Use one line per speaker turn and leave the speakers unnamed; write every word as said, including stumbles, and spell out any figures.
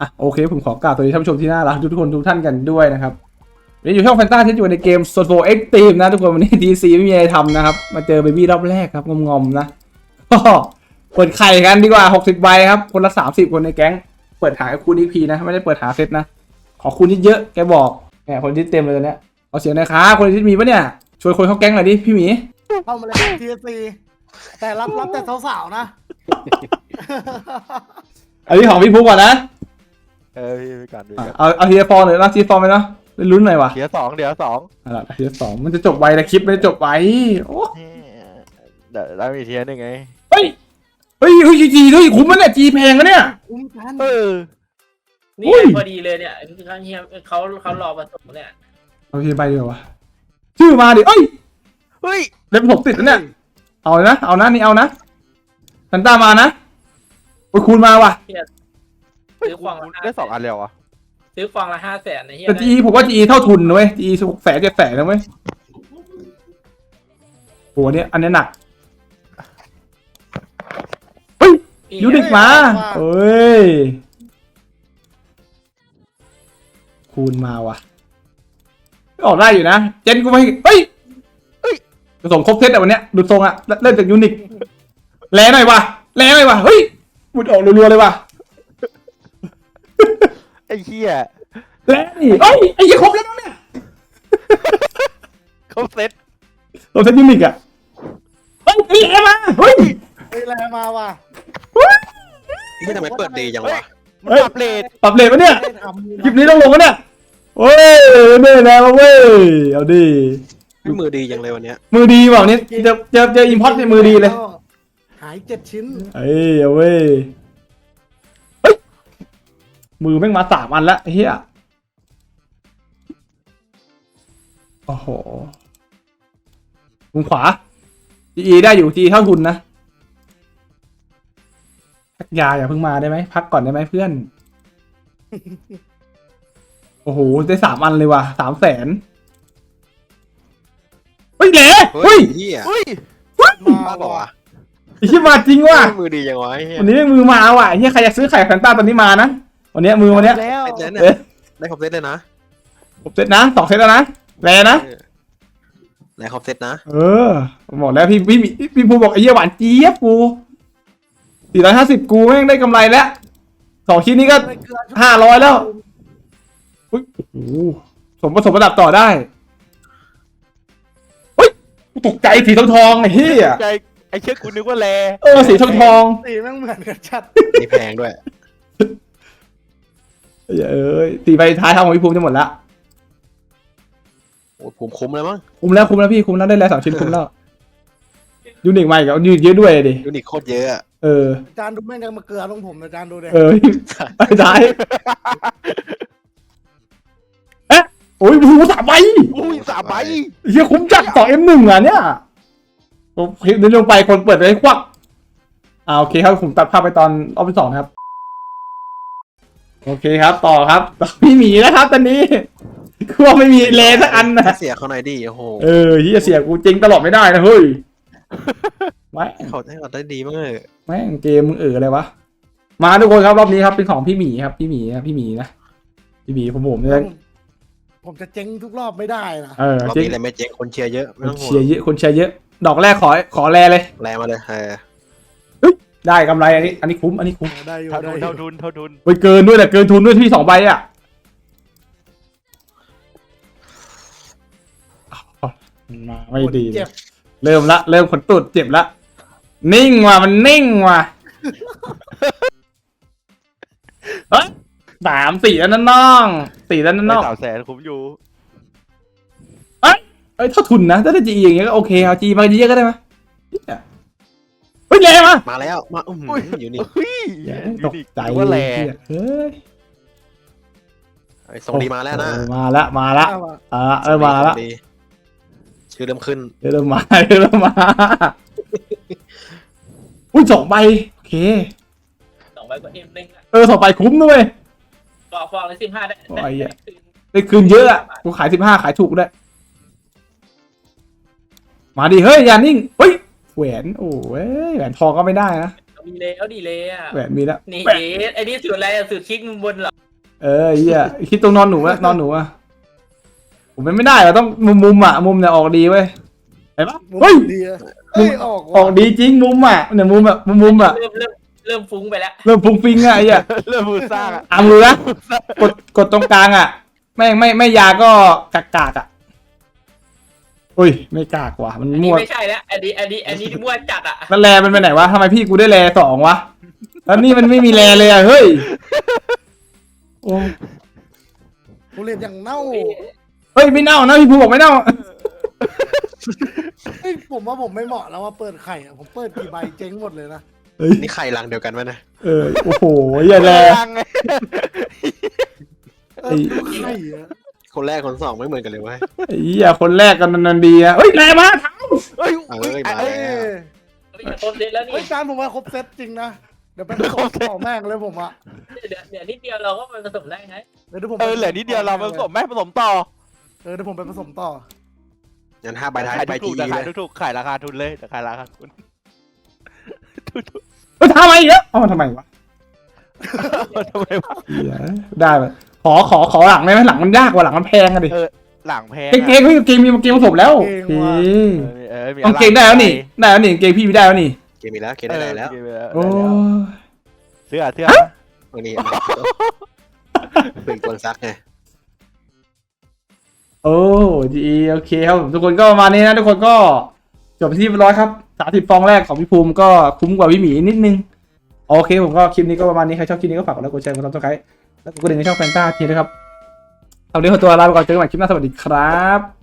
อ่ะโอเคผมขอกล่าวสวัสดีท่านผู้ชมที่น่ารักทุกคนทุกท่านกันด้วยนะครับวันนี้อยู่ช่องแฟนตาที่อยู่ในเกมโซโฟเอ็กตีมนะทุกคนวันนี้ทีซีไม่มีอะไรทำนะครับมาเจอเบบี้รอบแรกครับงอมๆนะก็เปิดไข่กันดีกว่าหกสิบใบครับคนละสามสิบคนในแก๊งเปิดหาคูณอีพีนะไม่ได้เปิดหาเซตนะขอคูณเยอะๆแกบอกแหมคนที่เต็มเลยตอนเนี้ยเอาเสียงหน่อยครับคนที่มีปะเนี่ยชวนคนเข้าแก๊งหน่อยดิพี่หมี
เข้ามาเลยทีซีแต่รับรับแต่สาวๆนะ
อันนี้ของพี่พุกก่อนนะ
เออพี่ไปก่อนดูกัน
เอาเอาทีละฟอร์หน่อยนะทีละฟอร์ไหมเนาะลุ้นหน่อยว่ะ
เดี๋ยวสองเดี๋ยวสอง
เอาล่ะทีละสองมันจะจบไวแต่คลิปไม่ได้จบไวโอ้
เดี๋ยวแล้วมีเทียนหนึ่งไง
เฮ้ยเฮ้ยเฮ้ยจีด้วยคุ้มมั้ยเนี่ยจีแพงนะเนี่ย
คุ้มกัน
เออ
นี่
อุ้ย
พอดีเลยเนี่ยเขาเฮียเขาเขารอผสมเนี่ย
เอาทีไปดีกว่าวะชื่อมาดิเอ้ย
เฮ้ย
เล็บผมติดแล้วเนี่ยเอาเลยนะเอานะนี่เอานะซันต้ามานะโอ้ยคูณมาว่ะ
ซื้อฟองละห้า
ได้สองอันแล้วอ่ะ
ซื้อฟองละห้าแสนในเฮีย
แต่จีผมว่าจีเท่าทุนนะเว้ยจีหกแสนเจ็ดแสนนะเว้ยโหอันเนี้ยอันเนี้ยหนักเฮ้ยยูนิคมาเอ้ยคูณมาว่ะออกได้อยู่นะเจนกูไม่เฮ้ยเฮ้ยผสมครบเซตอะวันเนี้ยดูทรงอะเล่นจากยูนิคแรงหน่อยว่ะแรงหน่อยว่ะเฮ้ยบุดออกรัวๆเลยว่ะ
ไอ้เหี้ย
แรงนี่เฮ้ยไอ้ยี่ครบแล้วเนี่ย
เขาเซ็ต
เราเซตยูนิคอะเฮ้ยไอ้แรงมาเฮ้ย
เฮ้ยแรงมาว่ะ
นี่ทำไมเปิดดีจังวะ
มันปรับเลท
ปรับเลทปะเนี่ย
ไม่ได้ทำ
คลิปนี้ต้องลงกันเนี่ยโอ้ยเน่แรงมาเว้ยเอาดิ
ไม่มือดีจังเลยวันเนี้ย
มือดีเปล่าเนี่ยเจอเจอเจออิมพอร์ตในมือดีเลย
หายเจ็ดชิ้น
เอ้ยเอาเว้ยเฮ้ยมือแม่งมาสามอันแล้วไอ้เหี้ยโอ้โหมุมขวาจีได้อยู่จีเท่าทุนนะพักยาอย่าเพิ่งมาได้ไหมพักก่อนได้ไหมเพื่อน โอ้โหได้สามอันเลยว่ะสามแสนเฮ้ยแหล่
เฮ้
เฮ้
ย
ย
เฮีย
เฮ้ย
มา
บ้าเปล่าวะ
ไอ้เหี้ยมาจริงว่ะ
มือดีจังวะไอ้เฮีย
วันนี้มือมาว่ะไอ้เหี้ยใครจะซื้อไข่แฟนต้าตอนนี้มานะวันนี้มือวันเนี้ย
แล้ว
เซ็ตเนี่ย
เอ๊ะ
ได้ครบเซ็ตเลยนะ
ผมเซตนะสองเซตแล้วนะแลนะ
เออได้ครบเซ็ตนะ
เออบอกแล้วพี่พี่พี่พี่ภูบอกไอ้เหี้ยหวานเจี๊ยบกูสี่ร้อยห้าสิบกูแม่งได้กำไรแล้วสองชิ้นนี้ก็
ไม่เกลือ
ห้าร้อยแล้วอุ้ยโอ้โหสมผสมระดับต่อได้เฮ้ยกูตกใจสีทองทองๆไอ้เหี้ย
ใจไอ้เชือกกูนึกว่าแล
เออสีทองทอง
สีแม่งเหมือนกันชัด
นี่แพงด้วย
ๆเอ้ยตีไปท้ายทางของพี่ภูมิจะหมดละ
โอ้ผมคุ้มเลยมั้ง
คุ้มแล้วคุ้มแล้วพี่คุ้มแล้วได้แล้วสองชิ้นคุ้มแล้วยูนิคใหม่กับยูนิคเยอะด้วยดิ
ยูนิคโคตรเยอะอะ
เออ
อาจารย์ดูแม่งยังมาเกลือลงผมอาจารย์ดูเด็
เออไปท้ายเอ๊ะโอ้ยหูสามใบ
อุ้ยสามใบ
เฮียคุ้มจัดสองเอ็มหนึ่งอ่ะเนี่ยผมคลิปนี้ลงไปคนเปิดไปควักอ่าโอเคครับผมตัดภาพไปตอนรอบที่สองนะครับโอเคครับต่อครับต่อพี่หมีนะครับตอนนี้คือว่าไม่มีเลนสักอันนะ
เสียเขาหน่อยดิโอ้โห
เออเฮียเสียกูจริงตลอดไม่ได้นะเฮ้ยไม่
เขาให้เราได้ดีมั้งเลย
แม่งเกมมึงเอออะไรวะมาทุกคนครับรอบนี้ครับเป็นของพี่หมีครับพี่หมีนะพี่หมีนะพี่หมีผมผมเนี่ย
ผมจะเจ๊งทุกรอบไม่ได้นะ
เออ
รอบ
จริง
นี้อะไรไม่เจ๊งคนเชียร์เยอะไม่
คน
ต้องห่ว
เชียร์
ง
เยอะคนเชียร์เยอะ ดอกแรกขอขอแลเลย
แรงมาเลยเออ
ได้กำไรอันนี้ อันนี้คุ้มอันนี้คุ้ม
ได้อยู่
เท่า
ได้
ทุน
อยู่
เท่าทุนเท่าทุน
ไปเกินด้วยแต่เกินทุนด้วยที่สองใบอ่ะมาไม่ดี
เจ็บ
เริ่มละเริ่มขนตุดเจ็บละนิ่งว่ะมันนิ่งว่ะเฮ้ยสามสี่แล้วนั่นน้องสี่แล้วนั่น
ได้
น้อง
สามแสนคุ้มอยู่
เอ้ยเอ้ยเท่าทุนนะถ้าได้จีอย่างเงี้ยก็โอเคเอาจีมาเยอะก็ได้ไหมเนี่ยเฮ้ยแย่มา
มาแล้วมาอื้อหือยูนิค
เฮ้ย
ตกใจ
นึว่าแล
เฮ้ย
ไอ้ส่งดีมาแล้วนะ
เออมาละมาละ
เอาว่ะ
อ่าเออมาละ
ส่งดีชื่อเริ่มขึ้น
เริ่มมาเริ่มมาอุ้ยสองใบโอเค
สองใบก็เอ็มหนึ่งอะ
เออสองใบคุ้มด้วย
ฟองฟองละสิบห้าได้
โอ้ยอะ ได้คืนเยอะอ่ะกูขายสิบห้าขายถูกด้วยมาดิเฮ้ยอย่านิ่งเฮ้ยแหวนโอ้ยแหวนทองก็ไม่ได้นะ
มีแล้วดีเลยอ่ะ
แหวนมีแล้ว
นี่
แหวน
เอ๊ะไอ้นี่สุดอะไรอะสุดคลิกมุมบนเหรอ
เออเหี้ยคิดตรงนอนหนูอะนอนหนูอะผมไม่ได้อะต้องมุมมุมอะมุมเนี่ยออกดีเว้ยเห็นปะ
มุม
เฮ้ย
ดีอะเฮ้ยออก
ออกดีจริงมุมอะเนี่ยมุมอะมุมมุมอะ
เริ่มเริ่มเริ่มฟุ้งไปแล้ว
เริ่มฟุ้งฟิ้งอะไอ้เหี้ย
เริ่มมือสร้างอะ
อ่ะมือนะกดกดตรงกลางอะไม่ไม่ไม่ยาก็กากากอะอุ้ยไม่กากว่ะมัน
อันนี้
มั่ว
ไม่ใช่แล้วอันนี้อันนี้อันนี้มั่วจัดอ่ะ
แล้วแลมันไปไหนวะทำไมพี่กูได้แลสองวะแล้วนี่มันไม่มีแลเลยอะเฮ้ยโอ้
กูเรียนอย่างเน่า
เฮ้ยไม่เน่านะพี่ภูบอกไม่เน่า
เฮ้ยผมว่าผมไม่เหมาะแล้วว่าเปิดไข่อะผมเปิดกี่ใบเจ๊งหมดเลยนะ
เฮ้ย
นี่ไข่รังเดียวกันไหมนะ
เออโอ้โหอย่าแล
รังไง
เออดูไข่อะ
คนแรกคนสองไม่เหมือนกันเลยเว้ย
ไอ้เหี้ยคนแรกกันนันดีอะเฮ้ยแลมาทั้ง
เฮ้ย
เอ้ยมา
เอ้
แล้
ยว
ไม่ใช่ครบเซตแล้วนี่
เฮ้ยจานผมว่าครบเซตจริงนะเดี๋ยวเป็นผสมต่อแม่งเลยผมอะ
เดี๋ยวเดี๋ยวนิดเดียวเราก็มันผสมได้ไง
เดี๋ยวเดี๋ยวผม
เออเหลือนิดเดียวเราผสมแม่ผสมต่อ
เออเดี๋ยวผมไปผสมต่อ
งั้นห้าใบท้าย
ขาย
ใบ
ถู
จี
กๆแต่
เล
ขาย
ย
ถูกๆขายราคาทุนเลยแต่ขายราคาทุนถูก
เฮ้ยทำไมอีกแล้วเอามาทำไมวะ
ๆทำไมวะ
เหี้ยได้ไหมขอขอขอหลังได้ไหมหลังมันยากกว่าหลังมันแพงอะดิ
เออหลังแพง
เกงเกงเฮ้ยเกงมีเกงผสมแล้ว
เกง
เก
ว่ะ
ง
เออมี
ต้องเกงได้แล้วนี่ได้แล้วนี่เกงพี่ไม่ได้แล้วนี่
เกมมีแล้วเกมได้แล้ว
เออ
โอ้
เสื้อเสื้อ
วันนี้เป็นคนซักไง
โอ้ดีโอเคครับผมทุกคนก็ประมาณนี้นะทุกคนก็จบไปที่เรียบร้อยครับสามสิบฟองแรกของพี่ภูมิก็คุ้มกว่าพี่หมีนิดนึงโอเคผมก็คลิปนี้ก็ประมาณนี้ใครชอบคลิปนี้ก็ฝากกดไลค์กดแชร์กดซับสไครต์แล้วกดกระดิ่งในช่องแฟนต้าทีนะครับเอาเดี๋ยวขอตัวลาไปก่อนเจอกันใหม่คลิปหน้าสวัสดีครับ